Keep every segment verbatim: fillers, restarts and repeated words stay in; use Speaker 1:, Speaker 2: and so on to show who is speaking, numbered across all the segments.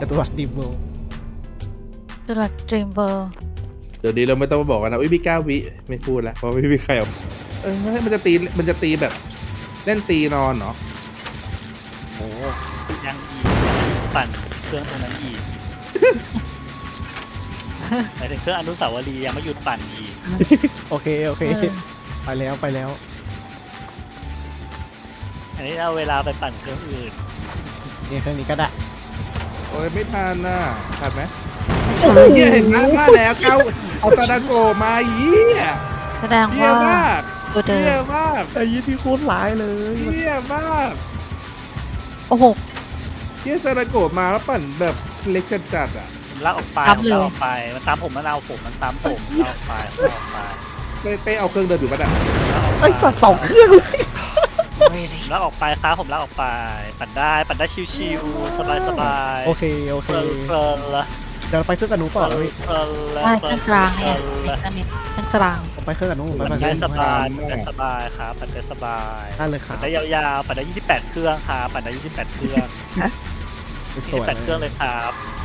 Speaker 1: ตัวดีเบล
Speaker 2: ดูหลักดรีมเบอร์
Speaker 3: เดี๋ยวนี้เราไม่ต้องมาบอกกันนะอุ้ยพี่เก้าวิไม่พูดแล้วเพราะไม่มีใครเอาเออมันจะตีมันจะตีแบบเล่นตีนอนเนาะ
Speaker 4: โอ้ยังอีกปั่นเครื่องตรงนั้นอีกหมายถึงเครื่องอนุสาวรีย์ยังไม่หยุดปั่นอีก
Speaker 1: โอเคโอเคไปแล้วไปแล้ว
Speaker 4: อันนี้เอาเวลาไปปั่นเครื่องอื่น
Speaker 1: นี่เครื่องนี้ก็ได้
Speaker 3: โอ้ยไม่ทันน่ะทันไหมเฮียเห็นหน้ามาแล้วเก้าเอาตาดาโกมาเยี่ย
Speaker 2: แสดง
Speaker 3: เยี่ย
Speaker 2: ว่าม
Speaker 3: าก
Speaker 2: ตัวเดิ
Speaker 3: เยี่ย
Speaker 2: ม
Speaker 3: มาก
Speaker 1: ไอ้ยี่ที่โคตรร้ายเลย
Speaker 3: เยี่ยมาก
Speaker 2: โอ้โห
Speaker 3: เยี่ยซาดาโกมาแล้วปั่นแบบเล็กจัดๆอ่ะ
Speaker 4: ผมลากออกไป
Speaker 2: ซ้ำ
Speaker 4: ผม
Speaker 2: เลย
Speaker 4: ลากออกไปมันตามผมมันเอาผมมันซ้ำผมลากออกไปลากออกไป
Speaker 3: เต้เต้เอาเครื่องเดินอยู่ปะเนี่ย
Speaker 4: ลากออกไป
Speaker 1: ไอ้สัตว์สองเครื่องเลย
Speaker 4: ผมลากออกไปครับผมลากออกไป ปั่นได้ปั่นได้ชิวๆสบายๆ
Speaker 1: โอเคโอเค
Speaker 4: เพลินๆละ
Speaker 1: เดี๋ยวไปเครื่องกับหนูต่อแล้วพี่
Speaker 4: เพลินๆละ
Speaker 2: ได้เครื่องกลางเนี่ย
Speaker 4: เพลินๆละ
Speaker 2: ในตอนนี้เครื่องกลาง
Speaker 1: ไปเครื่องกับหนูไป
Speaker 4: ปั่น
Speaker 1: ไป
Speaker 4: ได้สบาย
Speaker 3: มาก
Speaker 4: ปั่นได้สบายครับปั่นได้สบาย
Speaker 1: ได้เลยครั
Speaker 4: ปั่
Speaker 1: บ
Speaker 4: นได้ยาวๆปั่นได้ยี่สิบแปดเครื่องครับปั่นได้ยี่สิบแปดเครื่อง
Speaker 1: ส
Speaker 4: ยี่สิ
Speaker 1: ว
Speaker 4: บ
Speaker 1: ย
Speaker 4: แปดเครื่องเลยครับ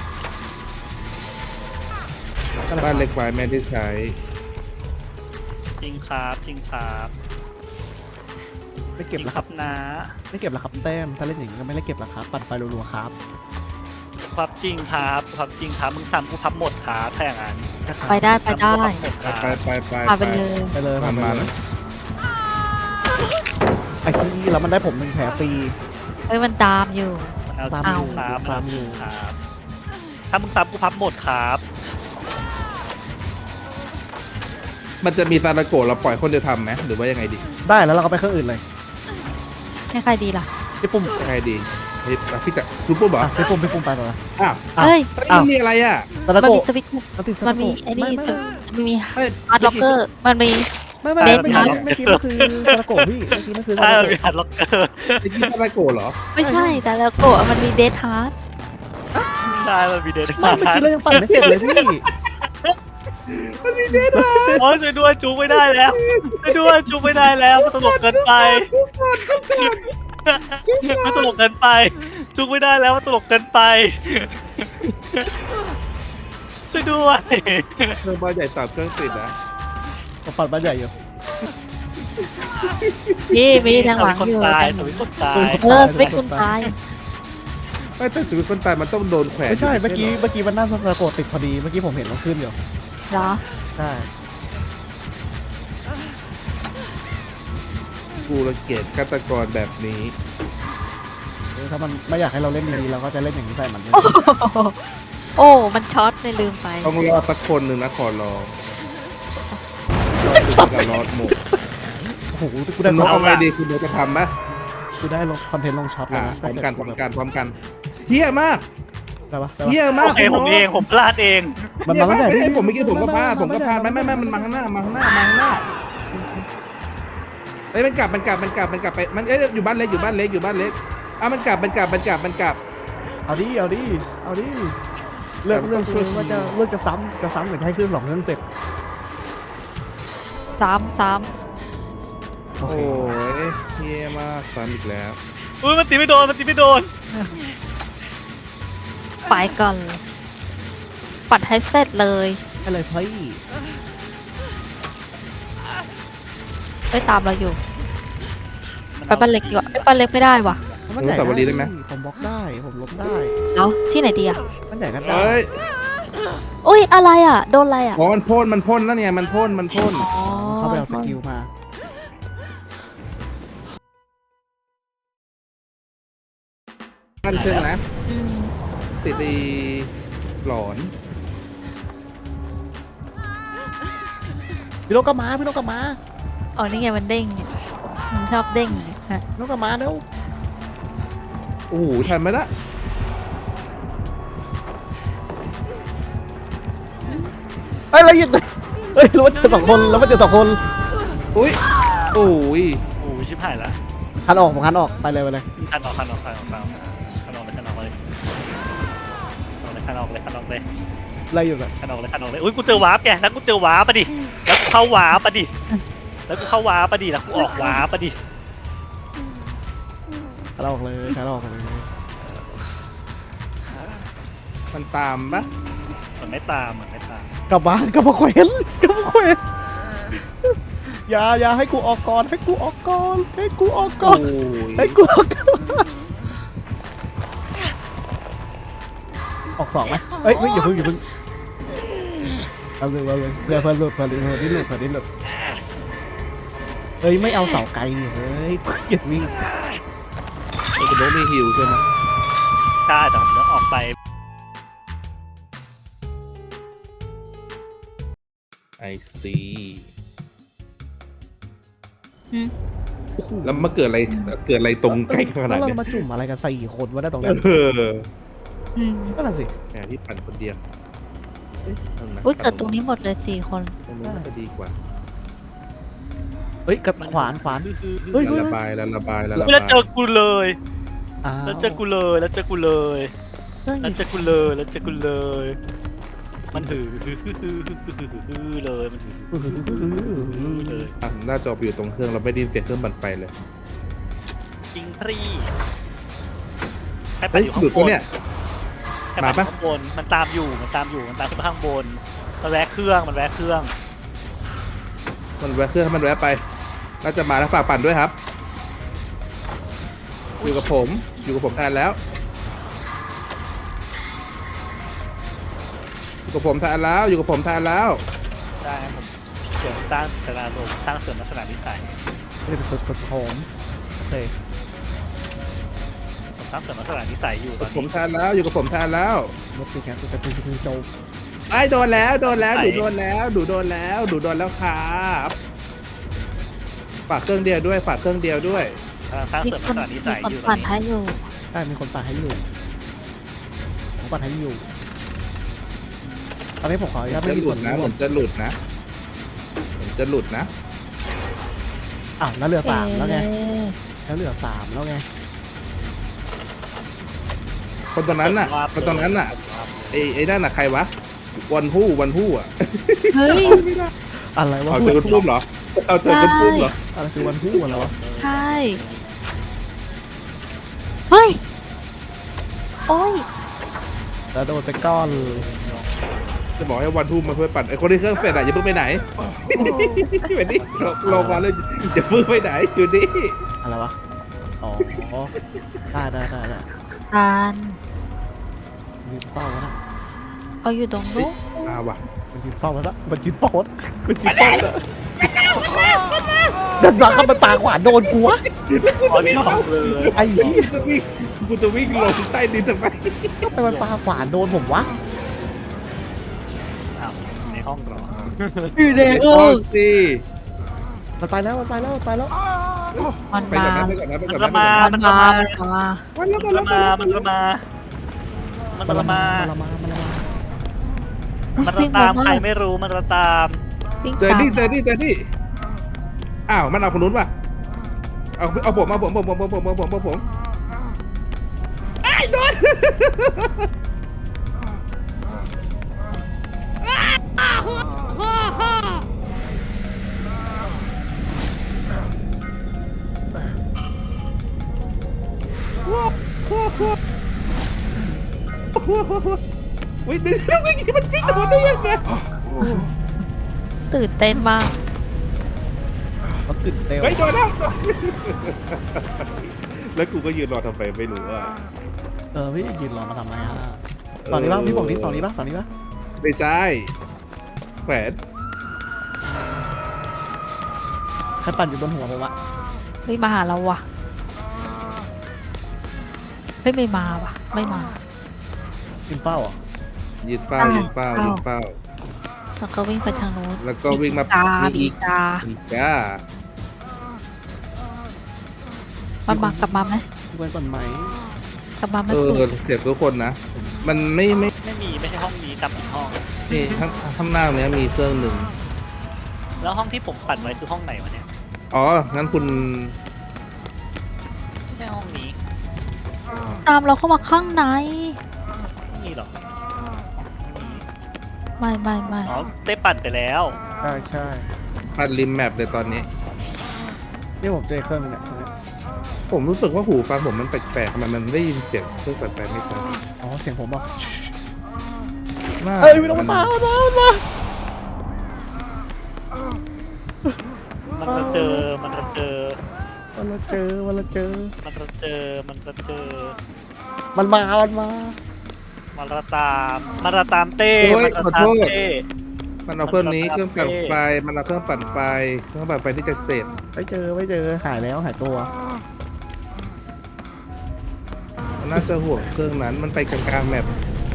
Speaker 3: บ้านเล็กไว้ไม่ได้ใช้
Speaker 4: จริงครับจริงครับ
Speaker 1: ไม่
Speaker 4: จ
Speaker 1: เก็บ
Speaker 4: ริง
Speaker 1: แล้ว
Speaker 4: ค
Speaker 1: ค
Speaker 4: รั
Speaker 1: รั
Speaker 4: บบ นะ
Speaker 1: ไม่เก็บแล้วครับแต้มถ้าเล่นอย่างนี้ก็ไม่ได้เก็บแล้วครับปั่นไฟรัวๆครับ
Speaker 4: ความจริงครับความจริงครับมึงซ้ำกูพับหมดครับถ้าอย่างนั้น
Speaker 2: ไปได้ไปได้
Speaker 4: ซ้ำกูพับหมดครับ
Speaker 3: ไปไปไป
Speaker 2: พาไปเลย
Speaker 1: ไปเลย
Speaker 3: มันมา
Speaker 1: เล
Speaker 3: นะ
Speaker 1: ยไอ้ที่แล้วมันได้ผมหนึ่งแผลฟรี
Speaker 2: เอ้ยมันตามอยู่
Speaker 4: มันเอา
Speaker 1: ตาม
Speaker 4: จริง
Speaker 1: อยู่
Speaker 4: ครับ
Speaker 1: ตามอยู่
Speaker 4: ครับถ้ามึงซ้ำกูพับหมดครับ
Speaker 3: มันจะมีซาดาโกะเราปล่อยคนเดียวทำไหมหรือว่ายังไงดี
Speaker 1: ได้แล้วเราก็ไปเครื่องอื่นเลย
Speaker 2: ให้ใครดีล่ะ
Speaker 1: พี่ปุ่ม
Speaker 3: ยังไงดีเฮ้ยพี่จะรู้ปุ๊บเหรอ
Speaker 1: อ่ะพี่ปุ่มพี่ปุ่มไปต่อเลย
Speaker 3: อ้าว
Speaker 1: อ้าว
Speaker 2: เฮ้ย
Speaker 3: เฮ้ยมันมีอะไรอ่ะ
Speaker 1: ตะละ
Speaker 2: มัน
Speaker 1: โก
Speaker 2: มีสวิตช์
Speaker 1: มันติดส
Speaker 2: มันมีไอ้นี่
Speaker 1: ไม่
Speaker 2: ส
Speaker 1: ไม่
Speaker 2: วิตช์มันมี
Speaker 3: เฮ้ย
Speaker 2: ฮาร์ดล็อกเกอร์ มันมี
Speaker 1: ไม่ไม่
Speaker 2: เด็
Speaker 1: ไม่
Speaker 2: ด
Speaker 1: ไม่
Speaker 2: นะ
Speaker 1: ไม่คิดว่าคือตะละโกพี่เมื่อกี้นั่นคือ
Speaker 4: ใช่
Speaker 1: ตะ
Speaker 4: มัน
Speaker 1: ละ
Speaker 4: มี
Speaker 1: โก
Speaker 4: ฮันล็อกเกอร์
Speaker 3: ไอ้ที่ซาดาโกะเหรอ
Speaker 2: ไม่ใช่แต่แล้วโกะมันมีเดทฮาร์ด
Speaker 4: ใช่มันมีเดน
Speaker 1: ไม่เมื่อกี้เรายังปั่นไม่เสร็จเลยพี่
Speaker 4: โอ้ยช่วยด้วยจูงไม่ได้แล้วช่วยด้วยจูงไม่ได้แล้วมันตลกเกินไปมันตลกเกินไปจูงไม่ได้แล้วมันตลกเกินไปช่วยด้วย
Speaker 3: เครื่องบ้านใหญ่สามเครื่องติดนะ
Speaker 1: ผมปั่นบ้านใหญ่อยู่
Speaker 2: นี่มีทางหลัง
Speaker 4: คน
Speaker 2: อยู่
Speaker 4: ตายสวิตคนตาย
Speaker 2: เออสวิตช์คุณตาย
Speaker 3: ไม่แต่ชีวิตคนตายมันต้องโดนแขวน
Speaker 1: ไม่ใช่
Speaker 3: ยู่
Speaker 1: เมื่อกี้
Speaker 3: หร
Speaker 1: เมื่อกี้มันหน้าตะละโกติดพอดีเมื่อกี้ผมเห็นมันขึ้นอยู่
Speaker 2: เหรอ
Speaker 1: ใช่
Speaker 3: กูรังเกียจฆาตกรแบบนี้
Speaker 1: เออถ้ามันไม่อยากให้เราเล่นดีๆเราก็จะเล่นอย่างนี้ใส่มันเลย
Speaker 2: โอ้ มันช็อตเลยลืมไป
Speaker 3: ต้องรอสักคนหนึ่งนะขอร้อง
Speaker 1: ไอ้สัตว์
Speaker 3: กับรอดหมด
Speaker 1: โอ้โหกู
Speaker 3: คุ
Speaker 1: ได้
Speaker 3: ณ
Speaker 1: ล
Speaker 3: น้อง
Speaker 1: ง
Speaker 3: เอาไงดีคุณน้องจะทำไหม
Speaker 1: กูได้ลงคอนเทนต์ลงช็อตเลย
Speaker 3: อ่ะ
Speaker 1: นะ
Speaker 3: พร้อมกันพร้อมกันพร้อมกันเฮี้ยมาก
Speaker 1: ได้ปะได้ปะ
Speaker 3: เฮี้ยมาก
Speaker 4: โอเคผมเองผมพลาดเอง
Speaker 1: มันมาตั้งแต่
Speaker 3: เฮ้ยผมเมื่อกี้ผมก็พลาดผมก็พลาดไม่ไม่ไม่มันมาข้างหน้ามาข้างหน้ามาข้างหน้าเฮ้ยมันกลับมันกลับมันกลับมันกลับไปมันเอ้ยอยู่บ้านเล็กอยู่บ้านเล็กอยู่บ้านเล็กอ่ะมันกลับมันกลับมันกลับมันกลับ
Speaker 1: เอาดิเอาดิเอาดิเลือกเลือกช่วยว่าจะเลือกจะซ้ำจะซ้ำหรือจะให้เครื่องสองเครื่องเสร็จ
Speaker 2: สามสาม
Speaker 1: โอ
Speaker 3: โอ้
Speaker 1: เค
Speaker 3: ยเฮี้ยมากซ้ำอีกแล้ว
Speaker 4: อุ้ยมันตีไม่โดนมันตีไม่โดน
Speaker 2: ไปก่อนเลยปัดให้เสร็จเลย
Speaker 1: ให้เลยพี่
Speaker 2: ไม่ตามเราอยู่ ไปบ้านเล็กดีกว่าเอ้ยบ้านเล็กไม่ได้ว่ะ
Speaker 1: มันใหญ่ผมบล็อกได้ผมลบได้
Speaker 2: แล้วที่ไหนดีอ่ะ
Speaker 1: มันใหญ่กันได้
Speaker 3: เฮ้ย
Speaker 2: อุ้ยอะไรอ่ะ โดนอะไรอ่ะ
Speaker 3: อ๋อมันพ่นมันพ่นนั่นไงมันพ่นมันพ่น
Speaker 2: อ๋อ
Speaker 1: เขาไปเอาสกิลมา
Speaker 3: นั่นใช่ไหม
Speaker 2: อืม
Speaker 3: ติดไอ้หลอน
Speaker 1: พี่นกกลับมาพี่นกกลับมา
Speaker 2: อ๋อนี่ไงมันเด้งเนี่ยมันชอบเด้งเนี่ยฮะ
Speaker 1: พี่นกกลับมาเร็ว
Speaker 3: โอ้โหทันไหมล่ะ
Speaker 1: เฮ้ยอะไรอีกเฮ้ยรู้ว่าเจอสองคนแล้วว่าเจอสองคน
Speaker 3: อุ้ยโอ้ย
Speaker 4: โอ้ยชิบหายละ
Speaker 1: คันออกผมคันออกไปเลยไปเลย
Speaker 4: คันออกคันออกคันออกคันออกคันออกเลยคันออกเลยคันออกเลยคันออกเลย
Speaker 1: อะไรอยู่แบบ
Speaker 4: คันออกเลยคันออกเลยอุ้ยกูเจอวาร์ปแกแล้วกูเจอวาร์ปปะดิแล้วกูเข้าวาร์ปปะดิแล้วกูเข้าวาร์ปปะดิแล้วกูออกวาร์ปปะดิ
Speaker 1: คันออกเลยคันออกเลย
Speaker 3: มันตามปะ
Speaker 4: มันไม่ตามมันไม่ตาม
Speaker 1: กลับมากลับมาแขวนกลับมาแขวนอย่าอย่าให้กูออกก่อนให้กูออกก่อนให้กูออกก่อน
Speaker 3: โอ้ย
Speaker 1: ให้กูออกก่อนออกสองไหมเอ้ยเฮ้ยอย่าเพิ่งอย่าเพิ่งเอาเลยเอาเลยเพื่อเพื่อหลุดเพื่อหลุดเพื่อหลุดเพื่อหลุดเฮ้ยไม่เอาเสาไกลดิเฮ้ยเกลียดวิ่ง
Speaker 3: คุณโน้ตมีฮิวใช่ไหม
Speaker 4: กล้าแต่ผมต้องออกไป
Speaker 3: ไอซี
Speaker 2: อืม
Speaker 3: แล้วมาเกิดอะไรเกิดอะไรตรงใกล้ขนาด
Speaker 1: แล้ว
Speaker 3: เนี้
Speaker 1: เรา
Speaker 3: ย
Speaker 1: มาจุ่มอะไรกันสี่คนวะได้ตรงนั้น
Speaker 3: เออ
Speaker 2: อืม
Speaker 1: นั่นนะสิ
Speaker 3: แหมที่ปั่นคนเดียวเอ๊ะเอานะ
Speaker 2: อุ้ยเกิดตรงนี้หมดเลยสี่คน
Speaker 3: ตรงนู้นน่าจะดีกว่า
Speaker 1: เฮ้ยกับขวานขวาน เฮ้ย
Speaker 3: ละระบายละระบายละระ
Speaker 4: แล้ว
Speaker 3: บาย
Speaker 4: เจอกูเลย
Speaker 1: อ้าว
Speaker 4: แล้วเจอกูเลยแล้วเจอกูเลย
Speaker 2: เรื่องอ
Speaker 4: แล้ว
Speaker 2: ยู่
Speaker 4: เจอกูเลยแล้วเจอกูเลย มันหือหือหือหือหือหือเลยมันหือหือเลย
Speaker 3: อ่ะหน้าจอไปอยู่ตรงเครื่องเราไม่ได้ยินเสียงเครื่องปั่นไฟเลย
Speaker 4: จริงพรีใครไป
Speaker 3: เฮ้ย
Speaker 4: อยู่ข้า
Speaker 3: หลุด
Speaker 4: งบ
Speaker 3: ปะ
Speaker 4: น
Speaker 3: เนี่ย
Speaker 4: ใครไป
Speaker 3: มา
Speaker 4: อยู่
Speaker 3: ปะ
Speaker 4: ข้างบนมันตามอยู่มันตามอยู่มันตามขึ้นไปข้างบนมันแวะเครื่องมันแวะเครื่อง
Speaker 3: มันแวะเครื่องให้มันแวะไปน่าจะมาแล้วฝากปั่นด้วยครับ อยู่กับผมอยู่กับผมแทนแล้วอยู่กับผมแทนแล้วอยู่กับผมแทนแล้ว
Speaker 4: ได้ครับผมเสริมสร้างจิตนาลมณ์สร้างเสริมลักษณะนิสัย
Speaker 1: ไม่ได้เป็นสุดสุดผมโอเค
Speaker 4: ผมสร้างเสริมลักษณะนิสัยอยู่
Speaker 3: อยู่
Speaker 4: ตอ
Speaker 3: กับ
Speaker 4: น
Speaker 3: ผม
Speaker 4: นี้
Speaker 3: แทนแล้วอยู่กับผมแทนแล้ว
Speaker 1: รถตีแคสจะเป็นคือโจ
Speaker 3: ไอ้โดนแล้วโดนแล้ว
Speaker 4: ไหน
Speaker 3: ดูโดนแล้วดูโดนแล้วดูโดนแล้วครับฝากเครื่องเดียวด้วยฝากเครื่องเดียวด้วย
Speaker 4: กำลังสร้าง
Speaker 2: มี
Speaker 4: เสริม
Speaker 2: ค
Speaker 4: ลัก
Speaker 2: น
Speaker 4: ษณะนิ
Speaker 2: มี
Speaker 4: สัย
Speaker 2: คน
Speaker 4: อยู่ตอ
Speaker 2: ปั่
Speaker 4: น
Speaker 2: น
Speaker 4: นี้
Speaker 2: ให้อยู่
Speaker 1: ใช่มีคนปาให้อยู่ผมปาให้อยู่ตอนนี้ผมขออนุญาต
Speaker 3: จะ
Speaker 1: ไม่มี
Speaker 3: หลุ
Speaker 1: ส่ว
Speaker 3: ด
Speaker 1: น
Speaker 3: นะ
Speaker 1: ร่
Speaker 3: เห
Speaker 1: ว
Speaker 3: มื
Speaker 1: ม
Speaker 3: อนจะหลุดนะเหมือนจะหลุดนะ
Speaker 1: อ้าวแล้วเหลือสามแล้วไง
Speaker 2: เอ๊ะ
Speaker 1: แล้วเหลือสามแล้วไง
Speaker 3: คนตรงนั้นน่ะคนตรงนั้นน่ะไอ้ไอ้นั่นน่ะใครวะวันผู้วันผู้อ่ะ
Speaker 2: เฮ้ย
Speaker 1: อะไรวะ
Speaker 3: เอา
Speaker 1: พู
Speaker 3: เจ
Speaker 1: ด
Speaker 3: อคนพุ่มเหรอเอาเจอคนพุ่มเหรอ
Speaker 1: อะไรคือวันพูดอะไรวะ
Speaker 2: ใช่เฮ้ยโอ้ย
Speaker 1: แล้วโดนไปก้อน
Speaker 3: จะบอกให้วันพุ่มมาเพื่อปั่นไอ้คนที่เครื่องเสร็จอ่ะอย่าเพิ่งไปไหนไปนี่ลงลงมาเลยอย่าเพิ่งไปไหนอยู่นี่
Speaker 1: อะไรวะอ๋อได้ได้ได้ได้
Speaker 2: ทาน
Speaker 1: ยืนเฝ้าแล้วนะ
Speaker 2: เขาอยู่ตรงนู้น
Speaker 3: มาว่ะ
Speaker 1: มันยืนเฝ้าแล้วนะมันยืนเฝ้าแล้วมันยืนเฝ้าแล้วเดินมาเข้าไปปาขวานโดนกูวะ
Speaker 4: อ๋อนี่ห้องเลย
Speaker 1: ไอ้เหี้ย
Speaker 3: กูจะวิ่งกูจะวิ่งลงใต้ดินทำไม
Speaker 1: ทำไมมันปาขวานโดนผมวะ
Speaker 4: อ้าวในห้องเหรอ
Speaker 2: อยู่ใน
Speaker 3: โอ้
Speaker 2: ห้อง
Speaker 3: สิ
Speaker 1: มันตายแล้วมันตายแล้วมันตายแล้ว
Speaker 2: มัน
Speaker 3: ไป
Speaker 2: มา
Speaker 3: ก่อนนะไปก่อนนะไป
Speaker 4: มัน
Speaker 3: ก่อน
Speaker 4: ละ
Speaker 3: นะ
Speaker 4: มา
Speaker 2: มัน
Speaker 4: มันละ
Speaker 2: มา
Speaker 4: มา
Speaker 2: มันมา
Speaker 3: วันแล้ว
Speaker 4: มั
Speaker 3: วัน
Speaker 4: น
Speaker 3: แล้ว
Speaker 4: ละมามันละมามันละมา
Speaker 1: มันละมามันละมา
Speaker 4: มันละตามใครไม่รู้มันละตาม
Speaker 2: วิ่ง
Speaker 3: เจอ
Speaker 2: ตาม
Speaker 3: นี่เจอนี่เจอนี่อ้าวมันเอาคนนู้นป่ะเอาเอาผมเอาผมผมผมผมผมผมผมผมไอ้โดนวิ่งวิ่งวิ่งมันวิ่งโดนได้ยังไง
Speaker 2: ตื่นเต้นมาก
Speaker 1: มันตื่นเต้น
Speaker 3: เฮ้ยโดนแล้วแล้วกูก็ยืนรอทำไมไม่รู้อ่ะ
Speaker 1: เออพี่ยืนรอมาทำไมอ่ะตอนนี้ป่ะพี่บอกที่สองนี้ป่ะสองนี้ป่ะ
Speaker 3: ไม่ใช่แขวน
Speaker 1: ใครปั่นอยู่บนหัวผมอะ
Speaker 2: เฮ้ยมาหาเราว่ะเฮ้ยไม่มาว่ะ ไม่มา
Speaker 1: ยืนเฝ้าเหรอ่ะ
Speaker 3: ยืนเฝ้ายืนเฝ้ายืนเฝ้า
Speaker 2: แล้วก็วิ่งไปทางนู้น
Speaker 3: แล้วก็วิ่งมา
Speaker 2: ตา
Speaker 3: มี
Speaker 2: บี
Speaker 3: อีก
Speaker 2: ตา
Speaker 3: อีกจ้า
Speaker 2: มันมากลับมาไหม
Speaker 1: ดูกันก่อนไหม
Speaker 2: กลับมาไหม
Speaker 3: เอ
Speaker 2: คุ
Speaker 3: อ
Speaker 2: ณ
Speaker 3: เสียทุกคนนะ มันไม่ไม่
Speaker 4: ไม่มีไม่ใช่ห้องนี้จำผิดห้อง
Speaker 3: มีข้างข้างหน้าเนี้ยมีเครื่องหนึ่ง
Speaker 4: แล้วห้องที่ผมปั่นไว้คือห้องไหนวะเนี่ย
Speaker 3: อ๋อ งั้นคุณ
Speaker 4: ไม่ใช่ห้องนี้
Speaker 2: ตามเราเข้ามาข้างใน
Speaker 4: ไม่มีหรอก
Speaker 2: ไม่ไม่ไม่
Speaker 4: อ๋อได้ปั่นไปแล้ว
Speaker 1: ใช่ใช่
Speaker 3: ปัดริมแมปเลยตอนนี้
Speaker 1: นี่ผมเจอเครื่องนึงเนี่ย
Speaker 3: ผมรู้สึกว่าหูฟังผมมันแปลกๆทำไมมันได้ยินเสียงเครื่องปั่นไฟไม่ชัด
Speaker 1: อ๋อเสียงผมบอก
Speaker 3: หน้า
Speaker 1: เอ้ยไม่ต้องมาตามมาตามมา
Speaker 4: มันจะเจอมันจะเจอ
Speaker 1: มันมาเจอมันมาเจอ
Speaker 4: มันจะเจอมันจะเจอ
Speaker 1: มันมามันมา
Speaker 4: มันจะตามมันจะตามเต้
Speaker 3: โอ้ย
Speaker 4: มันจะ
Speaker 3: ขอ
Speaker 4: ตา
Speaker 3: โท
Speaker 4: ม
Speaker 3: ษ
Speaker 4: เต้
Speaker 3: มันเอาเครื่องนี้
Speaker 4: มัน
Speaker 3: เครื่องปั่น
Speaker 4: เท่
Speaker 3: ไฟมันเอาเครื่องปั่นไฟเครื่องปั่นไฟที่จะเสร็จ
Speaker 1: ไม่เจอไม่เจอหายแล้วหายตัว
Speaker 3: มันน่าจะห่วงเครื่องนั้นมันไปกลางๆแมป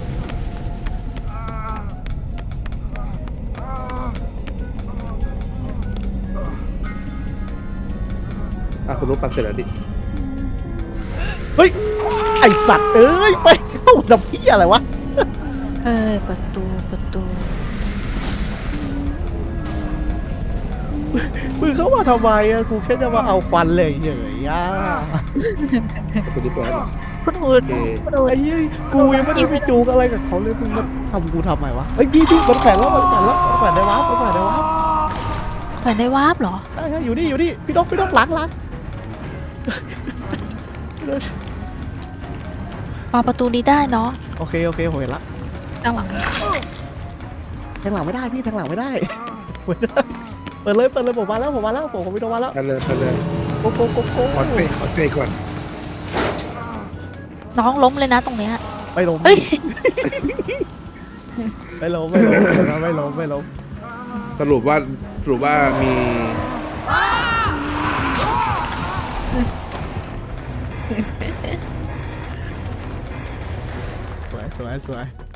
Speaker 3: อ่ะคุณรู้ปั่นเสร็จแล้วดิ
Speaker 1: เฮ้ยไอสัตว์เอ้ยไปเข้าดับพี่อะไรวะ
Speaker 2: เอ้ยประตูประตู
Speaker 1: มึงเข้ามาทำไมอะกูแค่จะมาเอาควันเลยเฉยๆอ่ะ
Speaker 3: คุณรู้ตัวแล้วเหรอ
Speaker 2: คุณอูด
Speaker 3: โอเค
Speaker 2: คุณอูด
Speaker 1: ไอ้ยี่กูยังไม่ได้ไปจูงอะไรกับเขาเลยมึงมาทำกูทำไมวะเฮ้ยพี่พี่มันแขวนแล้วมันแขวนแล้วมันแขวนได้วะมันแขวนได้วะ
Speaker 2: แขวนได้วาร์ปเหรอ
Speaker 1: ได้ใช่อยู่นี่อยู่นี่พี่ต้องพี่ต้องล้างล้าง
Speaker 2: มาประตูนี้ได้เนาะ
Speaker 1: โอเคโอเคผมเห็นละ
Speaker 2: ข้างหลัง
Speaker 1: แทงหลังไม่ได้พี่แทงหลังไม่ได้ไม่ได้เปิดเลยเปิดเลยผมมาแล้วผมมาแล้วผมผมพี่ต้องมาแล้ว
Speaker 3: ไปเลยไปเลย
Speaker 1: โกโกโกโก
Speaker 3: ขอเตะขอเตะก่อน
Speaker 2: น้องล้มเลยนะตรงเนี้ย
Speaker 1: ไม่ล้ม
Speaker 2: เฮ้ย
Speaker 1: ไม่ล้มไม่ล้มไม่ล้มไม่ล้ม
Speaker 3: สรุปว่าสรุปว่ามี
Speaker 1: สวยสวยสวย